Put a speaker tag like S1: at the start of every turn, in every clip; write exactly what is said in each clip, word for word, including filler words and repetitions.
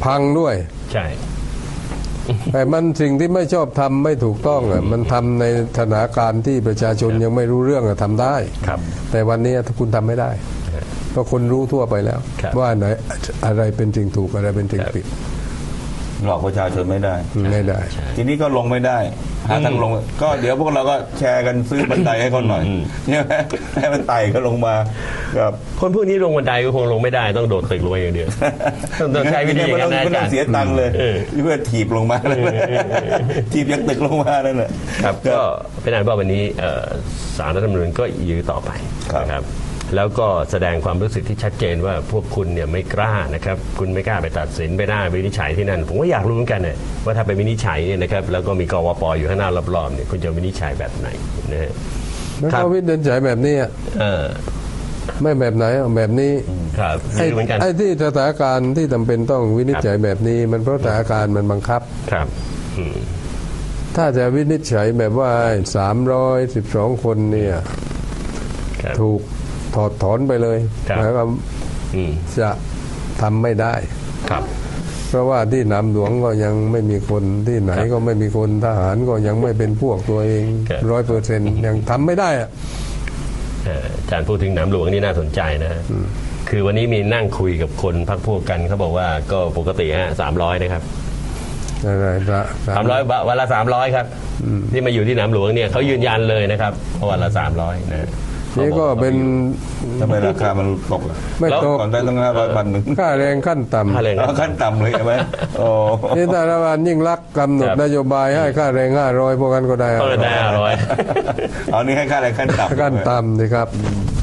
S1: พังด้วย
S2: ใช่
S1: แต่มันสิ่งที่ไม่ชอบทำไม่ถูกต้องอ่ะมันทำในสถานการณ์ที่ประชาชนยังไม่รู้เรื่องทำได้แต่วันนี้คุณทำไม่ได้เพราะคนรู้ทั่วไปแล้วว่าไหนอะไรเป็นจริงถูกอะไรเป็นจริงผิด
S3: หลอกประชาชนไม่ได้
S1: ไม่ได้
S3: ทีนี้ก็ลงไม่ได้หาทางลงก็เดี๋ยวพวกเราก็แชร์กันซื้อบันไดให้เขาหน่อยเนี่ยให้มันไต่ก็ลงมาครับ
S2: คนพวกนี้ลงบันไดก็คงลงไม่ได้ต้องโดดตึกลงไปอย่างเดียวต้องใช้วิธีการ
S3: ไม่ต้องเสียตังค์เลยเพื่อถีบลงมาถีบยักตึกลงมานั่นแหละ
S2: ครับก็เป็นอันว่าวันนี้ศาลรัฐธรรมนูญก็ยื้อต่อไปนะครับแล้วก็แสดงความรู้สึกที่ชัดเจนว่าพวกคุณเนี่ยไม่กล้านะครับคุณไม่กล้าไปตัดสินไปได้วินิจฉัยที่นั่นผมก็อยากรู้เหมือนกันเนี่ยว่าถ้าไปวินิจฉัยเนี่ยนะครับแล้วก็มีกวป.อยู่ข้างหน้ารอบๆเนี่ยคุณจะวินิจฉัยแบบไหนนะฮะ
S1: แล้วก็วินิจฉัยแบบนี้ไม่แบบไหนแบบนี้
S2: ครับ
S1: ไอ้ไอ้ที่สถานการณ์ที่จำเป็นต้องวินิจฉัยแบบนี้มันเพราะสถานการณ์มันบังคับ
S2: ครับ
S1: ถ้าจะวินิจฉัยแบบว่าสามร้อยสิบสองคนเนี่ยถูกถอดถอนไปเลยแล้วก็จะทำไม่ได้
S2: ครับ
S1: เพราะว่าที่หนามหลวงก็ยังไม่มีคนที่ไหนก็ไม่มีคนทหารก็ยังไม่เป็นพวกตัวเองร้อยเปอร์เซ็นต์ยังทำไม่ได้อะ
S2: อาจารย์พูดถึงหนามหลวงนี่น่าสนใจนะฮะคือวันนี้มีนั่งคุยกับคนพรรคพวกกันเขาบอกว่าก็ปกติฮะสามร้อยนะครับสามร้อยวันละสามร้อยครับที่มาอยู่ที่หนามหลวงเนี่ยเขายืนยันเลยนะครับวันละสามร้อยนะ
S1: นี่ก็เป็น
S3: ทำไมราคามันตกล่ะ
S1: ไม่ตก
S3: ก่อนได้ตั้งห้าร้อยพันหนึ่ง
S1: ค่าแรงขั้นต่ำ
S3: ขั้นต่ำเลยใช่ไหมโอ้
S1: นี่แต่ละวันยิ่งรักกำหนดนโยบายให้ค่าแรงห้าร้อยพวกกันก็ได้
S2: ก็ได้ห้าร้อย
S3: เอานี่ให้ค่าแรงขั้นต่ำ
S1: ขั้นต่ำสิครับ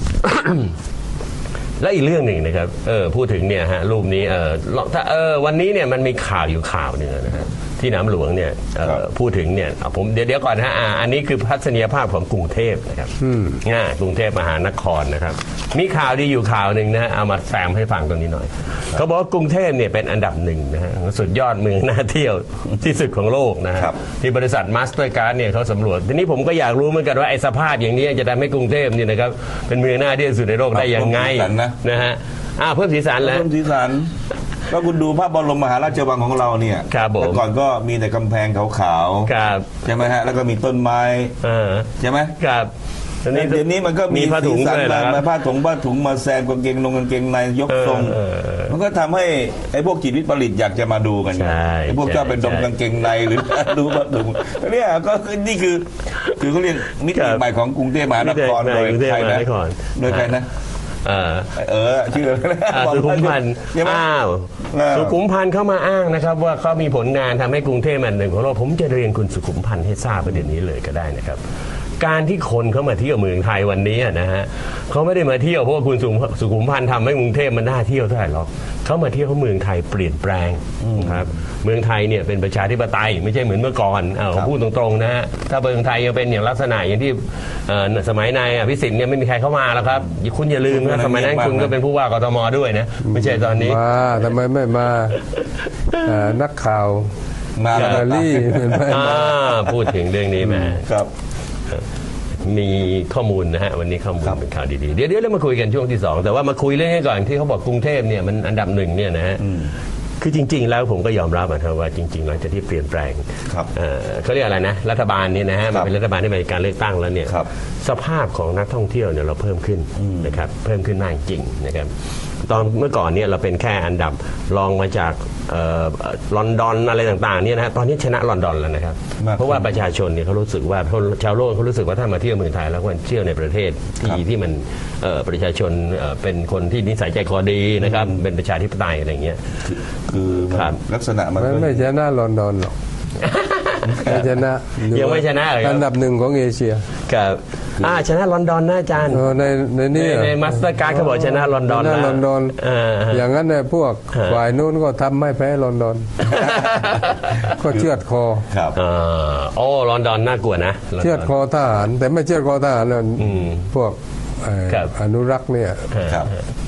S2: และอีกเรื่องหนึ่งนะครับเออพูดถึงเนี่ยฮะรูปนี้เออถ้าเออวันนี้เนี่ยมันมีข่าวอยู่ข่าวหนึ่งนะฮะที่หนามหลวงเนี่ยพูดถึงเนี่ยผมเดี๋ยวเดี๋ยวก่อนนะฮะอันนี้คือทัศนียภาพของกรุงเทพนะครับง่ายกรุงเทพมหานครนะครับมีข่าวดีอยู่ข่าวหนึ่งนะเอามาแซมให้ฟังตรงนี้หน่อยเขาบอกว่ากรุงเทพเนี่ยเป็นอันดับหนึ่งนะฮะสุดยอดเมืองน่าเที่ยวที่สุดของโลกนะที่บริษัทมาสเตอร์การ์ดเนี่ยเขาสำรวจทีนี้ผมก็อยากรู้เหมือนกันว่าไอ้สภาพอย่างนี้จะทำให้กรุงเทพเนี่ยนะครับเป็นเมืองน่าเที่ยวสุดในโลกได้ยังไงนะฮะอ่าเพิ่มสีสันแล้ว
S3: เพิ่มสีสันก็คุณดูพระบรมมหาราชวังของเราเนี่ยแต่ก่อนก็มีแต่กำแพงขาวๆใช่ไหมฮะแล้วก็มีต้นไม้ใช่ไหม
S2: ครับ
S3: เดี๋ยวนี้มันก็มีผ้าถุงมาผ้าถุงผ้าถุงมาแซมกางเกงนงกางเกงในยกทรงมันก็ทำให้ไอ้พวกจิตวิปริตอยากจะมาดูกันไอ้พวกเจ้าเป็นดมกางเกงในหรือดูผ้าถุงเนี่ยก็นี่คือคือเขาเรียกมิติใหม่ของกรุงเทพมหานครโดยใครนะโดยใครนะเออชื่อ
S2: สุขุมพันธ์อ้าวสุขุมพันธ์เข้ามาอ้างนะครับว่าเขามีผลงานทำให้กรุงเทพอันหนึ่งของเราผมจะเรียนคุณสุขุมพันธ์ให้ทราบประเด็นนี้เลยก็ได้นะครับการที่คนเข้ามาเที่ยวเมืองไทยวันนี้นะฮะเขาไม่ได้มาเที่ยวเพราะว่าคุณสุขุมพันธ์ทำให้กรุงเทพมันน่าเที่ยวเท่าไหร่หรอกเขามาเที่ยวเพราะเมืองไทยเปลี่ยนแปลงครับเมืองไทยเนี่ยเป็นประชาธิปไตยไม่ใช่เหมือนเมื่อก่อนเอาพูดตรงๆนะฮะถ้าเมืองไทยยังเป็นอย่างลักษณะอย่างที่สมัยนายอภิสิทธิ์เนี่ยไม่มีใครเข้ามาแล้วครับคุณอย่าลืมนะสมัยนั้นคุณก็เป็นผู้ว่ากทมด้วยนะไม่ใช่ตอนนี้
S1: มาทำไมไม่มานักข่าวมาลาลี่
S2: พูดถึงเรื่องนี้แม่
S3: ครับ
S2: มีข้อมูลนะฮะวันนี้ข้อมูลเป็นข่าวดีๆเดี๋ยวเดี๋ยวเรามาคุยกันช่วงที่สองแต่ว่ามาคุยเรื่องนี้ก่อนที่เขาบอกกรุงเทพเนี่ยมันอันดับหนึ่งเนี่ยนะฮะคือจริงๆแล้วผมก็ยอมรับนะว่าจริงๆหลังจากที่เปลี่ยนแปลงเขาเรียกอะไรนะรัฐบาลนี่นะฮะมันเป็นรัฐบาลที่มีการเลือกตั้งแล้วเนี่ยสภาพของนักท่องเที่ยวเนี่ยเราเพิ่มขึ้นนะครับเพิ่มขึ้นมากจริงนะครับตอนเมื่อก่อนเนี่ยเราเป็นแค่อันดับรองมาจากลอนดอนอะไรต่างๆเนี่ยนะตอนนี้ชนะลอนดอนแล้วนะครับเพราะว่าประชาชนเนี่ยเขารู้สึกว่าชาวโลกเขารู้สึกว่าถ้ามาเที่ยวเมืองไทยแล้วควรเที่ยวในประเทศที่ที่มันประชาชนเป็นคนที่นิสัยใจคอดีนะครับเป็นประชาธิปไตยอะไรเงี้ย
S3: คือลักษณะมัน
S1: ไม่ชนะลอนดอนหรอกไม่ชนะ
S2: ยังไม่ชนะเลย
S1: อันดับหนึ่งของเอเชีย
S2: ครับอ่าชนะลอนดอนนะอาจารย์
S1: ในในนี้
S2: ในมาสเตอร์การ์ดเขาบอกชนะลอนดอน
S1: นะลอนดอนอย่างนั้นเนี่ยพวกฝ่ายนู้นก็ทำไม่แพ้ลอนดอนก็เชือดคอ
S2: ครับโอ้ลอนดอนน่ากลัวนะ
S1: เชือดคอทหารแต่ไม่เชือดคอทหารเลยพวกอนุรักษ์เนี่ย
S2: ครับ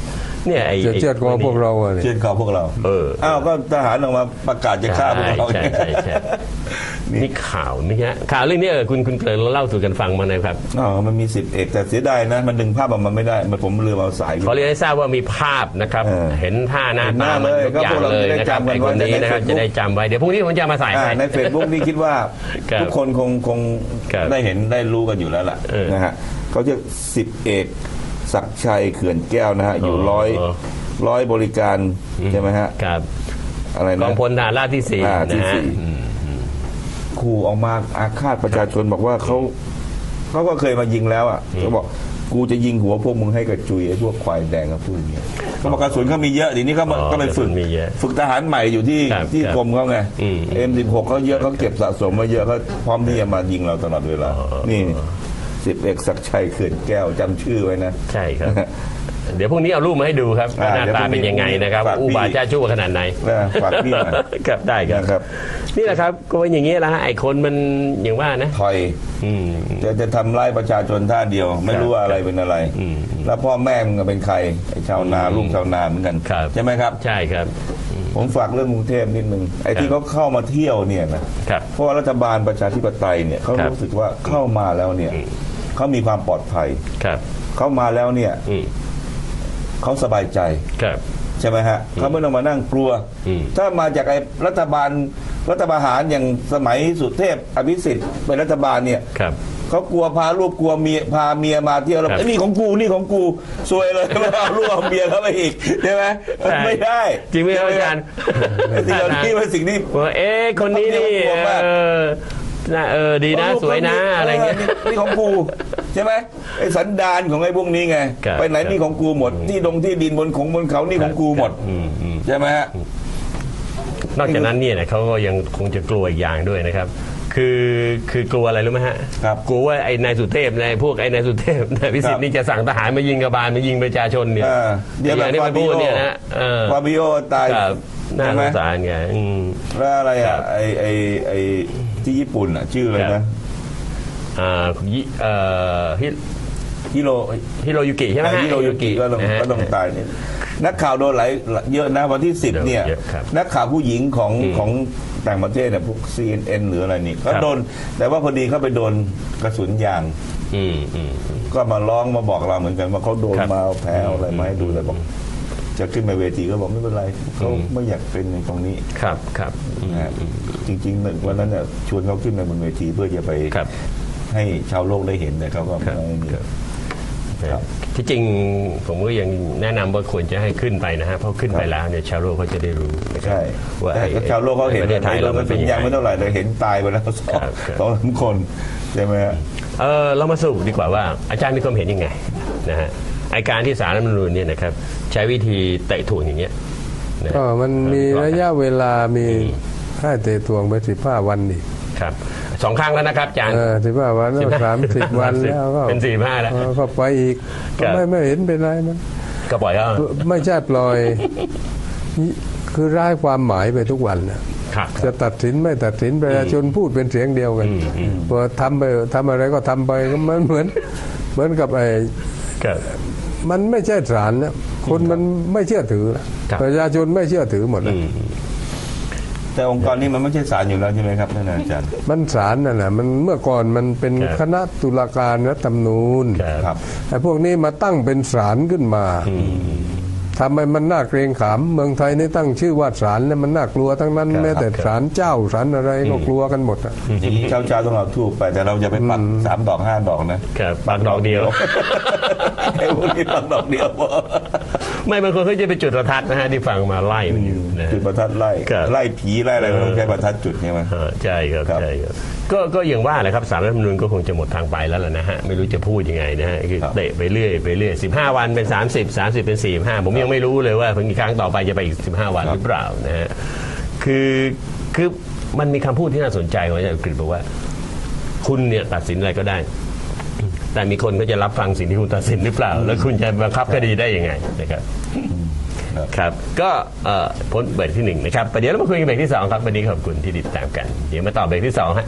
S2: เนี่ยไอ้
S1: จะเชือดคอพวกเราอะ
S3: เชื่อคอพวกเรา
S2: เออ
S3: อ้าวก็ทหารออกมาประกาศจะฆ่าพวกเรา
S2: ใช่ใช่ใช่นี่ข่าวนี่ฮะข่าวเรื่องนี้เออคุณคุณเกริญเล่าสู่กันฟังมาหน่อยครับ
S3: อ๋อมันมีสิบเอกแต่เสียดายนะมันดึงภาพออกมาไม่ได้มันผมลืมเอาสาย
S2: ขอเรียนให้ทราบว่ามีภาพนะครับ
S3: เออ
S2: เห็นท่าหน้า
S3: เห็นห
S2: ตา
S3: น้า
S2: มัน
S3: เลย
S2: ทุกอย่าง
S3: ก็พวกเรา
S2: เลย
S3: จะได้
S2: นะครับ
S3: จำกัน
S2: ไอ้คนนี้
S3: ไว้
S2: นะครับ
S3: ใน
S2: จะ
S3: Facebook
S2: ได้จำไว้เดี๋ยวพรุ่งนี้ผมจะมาใส่
S3: อ่า
S2: ให้
S3: ใน Facebook นี่คิดว่า
S2: ครับ
S3: ทุกคนคงคง
S2: ครับ
S3: ได้เห็นได้รู้กันอยู่แล้วล่ะ
S2: เออ
S3: นะฮะเขาจะสิบเอกศักดิ์ชัยเขื่อนแก้วนะฮะอยู่ร้อย
S2: อ๋อ
S3: ร้อยบริการใช่ไหมฮะ
S2: ครับ
S3: อะไร
S2: ก
S3: นะ
S2: องพลทหารราบที่สี่
S3: อ่าที่
S2: นะฮะ
S3: สี่
S2: อืม
S3: ขู่ออกมาอาฆาตประชาชนบอกว่าเขาเขาก็เคยมายิงแล้วอ่ะเขาบอกกูจะยิงหัวพวกมึงให้กระจุยไอ้พวกควายแดงกับพูดอย่างเงี้ยเขาบอกกระสุนเขามีเยอะทีนี้เขามา
S2: อ๋อ
S3: ก็ไปฝึก
S2: กระสุนมีเยอะ
S3: ฝึกทหารใหม่อยู่ที่
S2: ครับ
S3: ที่
S2: ครับ
S3: กรมเขาไง
S2: อืม
S3: เอ็มสิบหกเขาเยอะเขาเก็บสะสมมาเยอะเขาพร้อมที่จะมายิงเราตลอดเวลา
S2: อ๋อ
S3: นี่สิบเอกศักดิ์ชัยเขื่อนแก้วจำชื่อไว้นะ
S2: ใช่ครับ เดี๋ยวพรุ่งนี้เอารูปมาให้ดูครับว่า
S3: อ่า
S2: หน้าตาเป็นยังไงนะครับ
S3: ฝากพี่
S2: อุบาทจ้าชั่วขนาดไหน
S3: นะฝากพี่หน่อย
S2: ครับได้ครับ
S3: นะครับ
S2: นี่แหละครับก็เป็นอย่างนี้แหละฮะไอ้คนมันอย่างว่านะ
S3: ถอย
S2: อืม
S3: จะจะทำร้ายประชาชนท่าเดียว ไม่รู้ว่าอะไรเป็นอะไร
S2: อืม
S3: แล้วพ่อแม่มึงเป็นใครไอ้ชาวนาลูกชาวนาเหมือนกัน
S2: ครับ
S3: ใช่ไหมครับ
S2: ใช่ครับ
S3: ผมฝากเรื่องกรุงเทพนิดนึงไอ้ที่
S2: ครับ
S3: เขาเข้ามาเที่ยวเนี่ยนะครับ เพราะว่ารัฐบาลประชาธิปไตยเนี่ยเขา
S2: ครับ
S3: รู้สึกว่าเข้ามาแล้วเนี่ยเขามีความปลอดภัย
S2: ครับ
S3: เข้ามาแล้วเนี่ย
S2: อืม
S3: เขาสบายใจ
S2: ครับ
S3: ใช่ไหมฮะเขาไม่ต้องมานั่งกลัว
S2: อืม
S3: ถ้ามาจากไอ้รัฐบาลรัฐประหารอย่างสมัยสุเทพอภิสิทธิ์เป็นรัฐบาลเนี่ย
S2: ครับ
S3: เขากลัวพาลูกกลัวเมียพาเมียมาเที่ยวแล้ว
S2: ครับ
S3: ไอ้นี่ของกูนี่ของกูซวยเลย เอาลูกเอาเมียเข้าไปอีกใช่ไหม
S2: ใช่
S3: ไม่ได้
S2: จริงไหมครับอาจารย์
S3: ไอ้สิ่งเหล่านี้เป็นสิ่งที่
S2: ว่าเอ๊ะคนนี้นี่
S3: กลัวมาก
S2: เออน่าเออดีนะสวยนะอะไรเงี้ย
S3: นี่ของกูใช่ไหมไอ้สันดานของไอ้พวกนี้ไง
S2: ครับ
S3: ไปไหนนี่ของกูหมดที่ดงที่ดินบนของบนเขานี่ของกูหมด
S2: อืมอืม
S3: ใช่ไหมฮะ
S2: นอกจากนั้นเนี่ยนะเขาก็ยังคงจะกลัวอีกอย่างด้วยนะครับ คือคือกลัวอะไรรู้ไหมฮะ
S3: ครับ
S2: กลัวว่าไอ้นายสุเทพนายพวกไอ้นายสุเทพนายพิสิทธิ์นี่จะสั่งทหารมายิงกบาลมายิงประชาชนเนี่ย
S3: เออเดี๋ยว
S2: อย่างที่
S3: แบบ
S2: มันพูดเนี่ยนะเออ
S3: ฟาบิโอตาย
S2: ครับน่า
S3: ใช่
S2: ส
S3: ไหม
S2: งสารไงอืม
S3: แล้วอะไร
S2: ครั
S3: อ่ะ
S2: บ
S3: ไอไอไอที่ญี่ปุ่นอ่ะ ชื่ออะไร
S2: ครั
S3: นะ
S2: บ อ่ายิเอ่อฮิ
S3: ฮิโร
S2: ฮิโรยุกิใช่ไหมฮะ
S3: ฮิโรยุกิก็ต้อง
S2: นะฮะ
S3: ก็ต้องตายเนี่ยนักข่าวโดนหลายเยอะนะวันที่สิบเนี่ย
S2: เยอะครับ
S3: นักข่าวผู้หญิงของ
S2: อืม
S3: ของต่างประเทศเนี่ยพวก ซี เอ็น เอ็น หรืออะไรนี่ก็
S2: ครับ
S3: โดน แต่ว่าพอดีเขาไปโดนกระสุนยาง
S2: อืมอืมอืม
S3: ก็มาร้องมาบอกเราเหมือนกันว่าเขาโดน
S2: ครับ
S3: มาเอาแพ้เอาอะไรมาให้ดู
S2: อืม
S3: แต่บอกจะขึ้นมาเวทีก็บอกไม่เป็นไรเขาไม่อยากเป็นในตรงนี้
S2: ครับครับอืม
S3: นะฮะจริงๆหนึ่งวันนั้นเนี่ยชวนเขาขึ้นมาบนเวทีเพื่อจะไป
S2: ครับ
S3: ให้ชาวโลกได้เห็นแต่เขาก็
S2: ครับ
S3: ไม่มี ครับ
S2: ที่จริงผมก็ยังแนะนำว่าควรจะให้ขึ้นไปนะฮะเพราะขึ้นไป
S3: ครับ
S2: แล้วเนี่ยชาวโลกเขาจะได้รู้นะครับ
S3: ใช่
S2: ว่า
S3: แต่
S2: ไอ้
S3: ชาวโลกเขาเห็น
S2: ประเทศไทยเรามันเป็น
S3: ยั
S2: ยัง ง
S3: ไม่
S2: ไง
S3: เท่าไหร่แต่เห็นตายไปแล้วสอง
S2: ครับครับ
S3: สองสามคนใช่ไหมฮะ
S2: เออเรามาสรุปดีกว่าว่าอาจารย์มีความเห็นยังไงนะฮะไอการที่ศาลรัฐธรรมนูญเนี่ยนะครับใช้วิธีเตะถ่วงอย่างเงี้ยนะ
S1: ก็มันมีระยะเวลามีให้เตะทวงไปสิบห้าวันอีก
S2: ครับสองครั้งแล้วนะครับอาจารย์
S1: เออสิบห้าวันแล้วสามสิบวันแล้วก็
S2: เป็นสี่ห้าแล้ว
S1: เออก็ไปอีก
S2: ครั
S1: ก็
S2: บ
S1: ไม่ไม่เห็นเป็นไรมัน
S2: ก็ปล่อยเขา
S1: ไม่ใช่ปล่อย คือร้ายความหมายไปทุกวันนะครับ จะตัดสินไม่ตัดสินประชาชนพูดเป็นเสียงเดียวกัน
S2: อืมอืม
S1: พอทำไปทำอะไรก็ทำไปก็มันเหมือนเหมือนกับไอ้
S2: ครับ
S1: มันไม่ใช่ศาลนะคนมันไม่เชื่อถือนะครับ ประชาชนไม่เชื่อถือหมดนะ
S2: อืม
S3: แต่องค์กรนี้มันไม่ใช่ศาลอยู่แล้วใช่ไหมครับท่านอาจารย์
S1: มันศาลนั่นแหละมันเมื่อก่อนมันเป็น
S2: ครับ
S1: คณะตุลาการรัฐธรรมนูญ
S2: ครับ
S3: ครับ
S1: ไอ้พวกนี้มาตั้งเป็นศาลขึ้นมาทำให้มันน่าเกรงขามเมืองไทยนี่ตั้งชื่อว่าศาลเนี่ยมันน่ากลัวทั้งนั้น
S2: ครับ
S1: แม้แต่
S2: ครับ
S1: ศาลเจ้าศาลอะไรก็กลัวกันหมดอะ
S3: อย่างนี้เช้าเช้าๆต้องเราทูบไปแต่เราจะไปปักสามดอกห้าดอกนะครับ
S2: ปากดอกเดียว
S3: ไอ้พวกนี้ปักดอกเดียวพอ
S2: ไม่บางคนเขาจะไปจุดประทัดนะฮะที่ฟังมาไล่มันอยู่นะ
S3: จุดประทัดไล่
S2: ครับ
S3: ไล่ผีไล่อะไรก็ต้องใช้ประทัดจุดใช่ไหม
S2: อ่าใช่ครับ
S3: ครับ
S2: ใช่ครับก็ก็อย่างว่าแหละครับสารรัฐธรรมนูญก็คงจะหมดทางไปแล้วล่ะนะฮะไม่รู้จะพูดยังไงนะฮะคือ
S3: ครับ
S2: เตะไปเรื่อยไปเรื่อยสิบห้าวันเป็นสามสิบ สามสิบเป็นสี่สิบห้าผมยังไม่รู้เลยว่าครั้งต่อไปจะไปอีกสิบห้าวันหรือเปล่านะฮะคือคือมันมีคำพูดที่น่าสนใจของอาจารย์กฤษบอกว่า คุณเนี่ยตัดสินอะไรก็ได้ แต่มีคนก็จะรับฟังสิ่งที่คุณตัดสินหรือเปล่า แล้วคุณจะบังคับคดีได้ยังไงนะครับ
S3: ครับ
S2: ครับก็เอ่อพ้นเบรกที่หนึ่งนะครับประเดี๋ยวเรามาคุยกันเบรกที่สองครับวันนี้ขอบคุณที่ติดตามกันเดี๋ยวมาต่อเบรกที่สองฮะ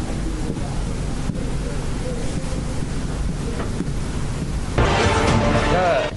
S2: ก็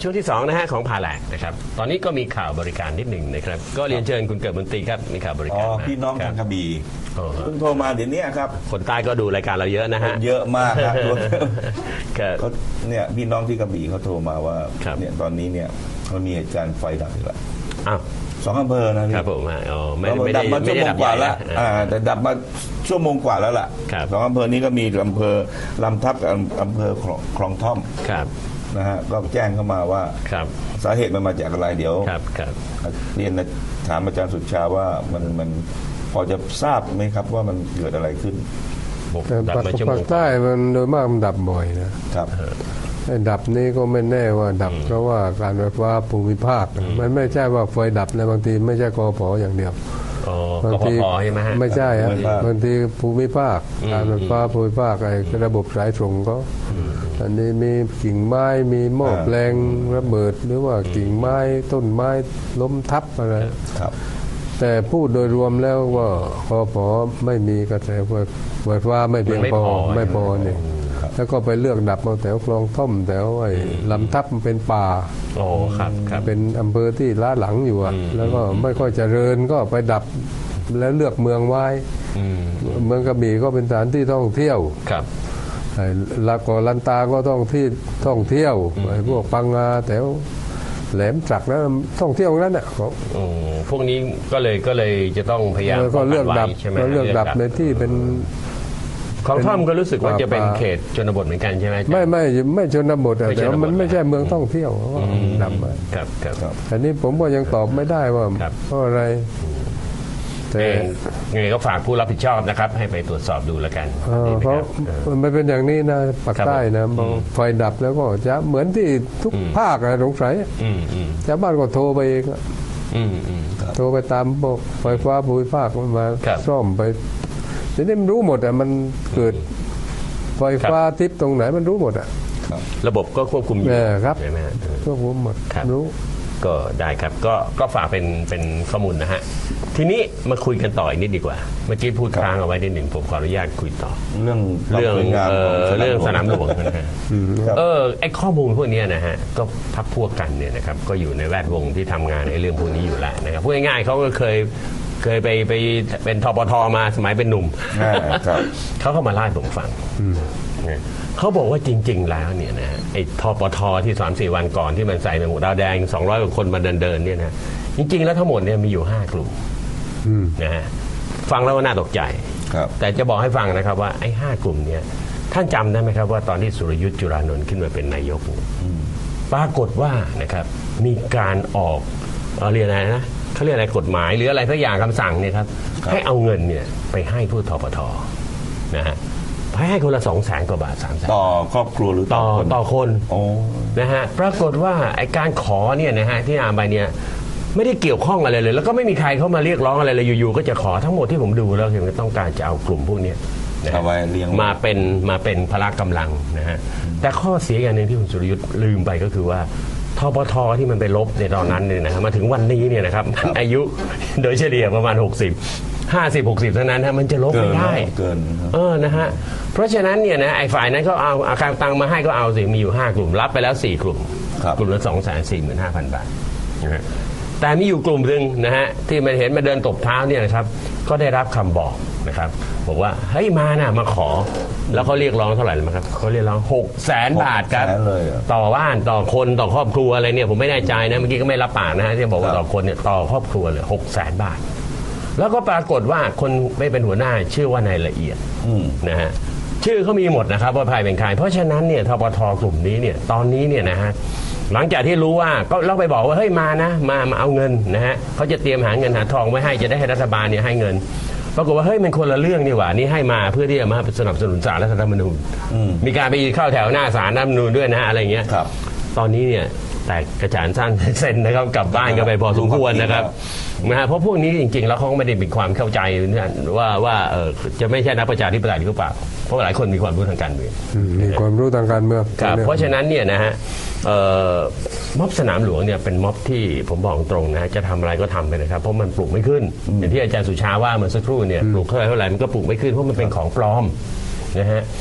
S2: ช่วงที่สองนะฮะของผ่าแหลกนะครับตอนนี้ก็มีข่าวบริการนิดหนึ่งนะครับก็เรียนเชิญคุณเกิดมนตรีครับมีข่าวบริ
S3: อ๋
S2: กา
S3: อ
S2: รมา
S3: พี่น้องทางกระบี่
S2: อ๋อ
S3: เพิ่งโทรมาเดี๋ยวนี้ครับ
S2: คนใต้ก็ดูรายการเราเยอะนะฮะ
S3: เยอะมากครับ
S2: ครับ
S3: เขาเนี่ยพี่น้องที่กระบี่เขาโทรมาว่า
S2: ครับ
S3: เนี่ยตอนนี้เนี่ยมันมีเหตุการณ์ไฟดับอีกแล้ว
S2: อ้าว
S3: สองอำเภอนะพี่
S2: ครับผมฮะอ๋อไม่
S3: แล้ว
S2: ไม่
S3: ดั
S2: ได้
S3: บมา
S2: ไม่
S3: ชั่ว
S2: ได้
S3: โม
S2: ดั
S3: ง
S2: บ
S3: กว่า
S2: ใหญ่
S3: แล้ว
S2: นะ
S3: อ่าแต่ดับมาชั่วโมงกว่าแล้วล่ะ
S2: ครับ
S3: สองอำเภอนี้ก็มีอำเภอลำทับกับอำเภอคลองคลองท่อม
S2: ครับ
S3: นะฮะก็แจ้งเข้ามาว่า
S2: ครับ
S3: สาเหตุมันมาจากอะไรเดี๋ยว
S2: ครับครับ
S3: เรียนถามอาจารย์สุชาว่ามันมันพอจะทราบไหมครับว่ามันเกิดอะไรขึ้น
S2: ผม
S1: แต่
S2: ดับ
S1: ภาค
S2: มาชั่วโม
S1: ภาง คใต้มันโดยมากมันดับบ่อยนะครับ ไอ้ดับนี้ก็ไม่แน่ว่าดับเพราะว่าการไฟฟ้าภูมิภาค มันไม่ใช่ว่าไฟดับนะบางทีไม่ใช่กพอย่างเดียว
S2: อ๋อบ
S1: าง
S2: ก
S1: ที
S2: พใช่ไหมฮะ
S1: ไม่ใช่ครับ
S3: ภูมิภาค
S1: บางทีภูมิภาคการไฟฟ้าภูมิภาคไอ้ระบบสายตรงก็อันนี้มีกิ่งไม้มีหม้อแปลงระเบิด หรือว่ากิ่งไม้ต้นไม้ล้มทับอะไร
S3: ครับ
S1: แต่พูดโดยรวมแล้วว่าคอพอไม่มีกระแสไฟไฟฟ้าไม่เพียงพอไม่พอเนี่ยแล้วก็ไปเลือกดับมาแถวคลองท่อมแถวไอ้ลำทับมันเป็นป่า
S2: โอ้ครับครับ
S1: เป็นอำเภอที่ล้าหลังอยู่อะแล้วก็ไม่ค่อยเจริญก็ไปดับแล้วเลือกเมืองไว้
S2: อืม
S1: เมืองกระบี่ก็เป็นสถานที่ท่องเที่ยว
S2: ครับ
S1: ไอ้ลาโกอลันตาก็ต้องที่ท่องเที่ยวไอ้พวกปังงาแถวแหลมจักรแล้วท่องเที่ยวนั้นน่ะเขา
S2: อืมพวกนี้ก็เลยก็เลยจะต้องพยายาม
S1: แล้วก็เลือกดับ
S2: ป้งนไว้ใช่ไหม
S1: ก็เลือกดับในที่เป็น
S2: ของท่อมก็รู้สึกว่าจะเป็น
S1: ป่า
S2: เขตชนบทเหมือนกันใช่ไหมอาจารย์
S1: ไม่ไม่ไม่ชนบทอะ
S2: ไม่
S1: แต่
S2: ชนบท
S1: ว่ามันไม่ใช่เมืองท่องเที่ยวเพราะว่าดับมา
S2: ครับครับ
S1: อันนี้ผมก็ยังตอบไม่ได้ว่า
S2: ครับ
S1: เพราะอะไร แต่
S2: เองไงก็ฝากผู้รับผิดชอบนะครับ ให้ไปตรวจสอบดูแล้วกัน
S1: เอ่อ
S2: ดีไหม
S1: เพราะ
S2: ครับเออ
S1: มันเป็นอย่างนี้นะปาก
S2: ครับ
S1: ใต้นะพอไฟดับแล้วก็จะเหมือนที่ทุกภาคอะสงสัย
S2: อืมอืม
S1: ชาวบ้านก็โทรไปเองอะ
S2: อืมอืม
S1: โทรไปตามพวกไฟฟ้าภูมิภาคมันมา
S2: ครับ
S1: ซ่อมไปทีนี้มันรู้หมดอะมันเกิดไฟฟ้าทิพย์ตรงไหนมันรู้หมดอะ
S2: ระบบก็ควบคุมอยู่
S1: เออครับ
S2: ใช่ไหมฮะเออ
S1: พวกผมหมด
S2: ครับ
S1: รู้
S2: ก็ได้ครับก็ก็ฝากเป็นเป็นข้อมูลนะฮะทีนี้มาคุยกันต่ออีกนิดดีกว่า เมื่อกี้พูดค้างเอาไว้นิดหนึ่งผมขออนุญาตคุยต่อ
S3: เรื่อง
S2: เรื่อง
S3: ความสวยงาม
S2: เอ่อ
S3: ของ
S2: เรื่องสนามหลวงนะฮะ
S3: ครับ
S2: เออไอข้อมูลพวกเนี้ยนะฮะก็พักพวกกันเนี่ยนะครับก็อยู่ในแวดวงที่ทำงานในเรื่องพวกนี้อยู่แล้วนะครับพูดง่ายๆเขาก็เคยเคยไปไปเป็นทปทมาสมัยเป็นหนุ่ม
S3: อ่าครับ
S2: เขาก็มาเล่าให้ผมฟังนะเขาบอกว่าจริง ๆ แล้วเนี่ยนะไอ้ทปทที่สามสี่วันก่อนที่มันใส่ในหมู่ดาวแดงสองร้อยกว่าคนมาเดินๆเนี่ยนะจริง ๆ แล้วทั้งหมดเนี่ยมีอยู่ห้ากลุ่มนะฮะฟังแล้วก็น่าตกใจ
S3: ครับ
S2: แต่จะบอกให้ฟังนะครับว่าไอ้ห้ากลุ่มเนี่ยท่านจำได้ไหมครับว่าตอนที่สุรยุทธ์จุรานนท์ขึ้นมาเป็นนายกเนี่ยปรากฏว่านะครับมีการออกเอ่อเรียกอะไรนะเขาเรียกอะไรกฎหมายหรืออะไรสักอย่างคำสั่งเนี่ยครับให้เอาเงินเนี่ยไปให้ผู้ทปทนะฮะให้ให้คนละสองแสนกว่าบาทสามแสน
S3: ต่อครอบครัวหรือ
S2: ต่
S3: ต่
S2: อ
S3: อคน
S2: ต่อคน
S3: โอ้
S2: นะฮะปรากฏว่าไอ้การขอเนี่ยนะฮะที่อ่านไปเนี่ยไม่ได้เกี่ยวข้องอะไรเลย แล้วก็ไม่มีใครเข้ามาเรียกร้องอะไรเลยอยู่ๆก็จะขอทั้งหมดที่ผมดูแล้วคือต้องการจะเอากลุ่มพวกเนี้ยนะฮะ
S3: เอาไว้เลี้ยง
S2: มาเป็นมาเป็นพละกำลังนะฮะแต่ข้อเสียอย่างหนึ่งที่คุณสุรยุทธ์ลืมไปก็คือว่าทปทที่มันไปลบในตอนนั้นเนี่ยนะฮะมาถึงวันนี้เนี่ยนะครับมันอายุโดยเฉลี่ยประมาณหกสิบ ห้าสิบ หกสิบเท่านั้นฮะมันจะลบ
S3: เกิ
S2: ไม่
S3: น
S2: ได้
S3: เกิน
S2: เออ นะฮะ เพราะฉะนั้นเนี่ยนะไอ้ฝ่ายนั้นก็เอาอาคารตังมาให้ก็เอาสิ มีอยู่ห้ากลุ่ม รับไปแล้วสี่กลุ่ม
S3: ครับ
S2: กลุ่มละสองแสนสี่หมื่นห้าพันบาทนะฮะแต่มีอยู่กลุ่มหนึ่งนะฮะที่มันเห็นมาเดินตบเท้าเนี่ยนะครับ ก็ได้รับคำบอกนะครับ บอกว่าเฮ้ยมานะมาขอ แล้วเขาเรียกร้องเท่าไหร่รู้ไหมครับเขาเรียกร้องหกแสนบาทครับ
S3: หกแสนเลยเหรอ
S2: ต่อบ้านต่อคนต่อครอบครัวอะไรเนี่ยผมไม่แน่ใจนะเมื่อกี้ก็ไม่รับปากนะฮะที่บอกว่า
S3: ครับ
S2: ต่อคนเนี่ยต่อครอบครัวเลยหกแสนบาท แล้วก็ปรากฏว่าคนไม่เป็นหัวหน้าชื่อว่านายละเอียด
S3: อืม
S2: นะฮะชื่อเขามีหมดนะครับว่าใครเป็นใครเพราะฉะนั้นเนี่ยทปทกลุ่มนี้เนี่ยตอนนี้เนี่ยนะฮะหลังจากที่รู้ว่าก็เราไปบอกว่าเฮ้ยมานะมามาเอาเงินนะฮะเขาจะเตรียมหาเงินหาทองไว้ให้จะได้ให้รัฐบาลเนี่ยให้เงินปรากฏว่าเฮ้ยมันคนละเรื่องนี่หว่านี่ให้มาเพื่อที่จะมาสนับสนุนศาลรัฐธรรมนูญมีการไปเข้าแถวหน้าศาลรัฐธรรมนูญด้วยนะฮะอะไรเงี้ย
S3: ครับ
S2: ตอนนี้เนี่ยแต่กระจานสั้น เซ็นนะครับกลับบ้านกันไปพอสมควรนะครับนะฮะเพราะพวกนี้จริงๆแล้วเขาก็ไม่ได้มีความเข้าใจเนี่ยว่าว่าเออจะไม่ใช่นักประชาธิปไตยหรือเปล่าเพราะหลายคนมีความรู้ทางการเมือง
S1: อืมมีความรู้ทางการเมือง
S2: ครับเพราะฉะนั้นเนี่ยนะฮะเอ่อม็อบสนามหลวงเนี่ยเป็นม็อบที่ผมบอกตรงนะฮะจะทำอะไรก็ทำไปนะครับเพราะมันปลูกไม่ขึ้นอย่างที่อาจารย์สุชาว่าเมื่อสักครู่เนี่ยปลูกเท่าไหร่เท่าไหร่มันก็ปลูกไม่ขึ้นเพราะมันเป็นของปลอมนะฮะ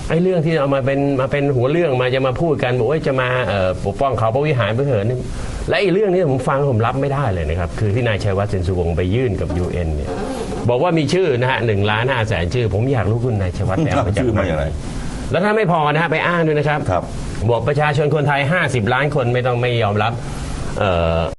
S2: ไอ้เรื่องที่เอามาเป็นมาเป็นหัวเรื่องมาจะมาพูดกันบอกว่าจะมาเอ่อปกป้องเขาพระวิหารพระเหินนี่และไอ้เรื่องนี้ผมฟังผมรับไม่ได้เลยนะครับคือที่นายชัยวัฒน์เซนสุวงศ์ไปยื่นกับ ยู เอ็น เนี่ยบอกว่ามีชื่อนะฮะหนึ่งล้านห้าแสนชื่อผมอยากรู้คุณนายชัยวัฒน์ไปเอามาจากไหนแล้วถ้าไม่พอนะฮะไปอ้างด้วยนะครับบอกประชาชนคนไทยห้าสิบล้านคนไม่ต้องไม่ยอมรับเอ่อ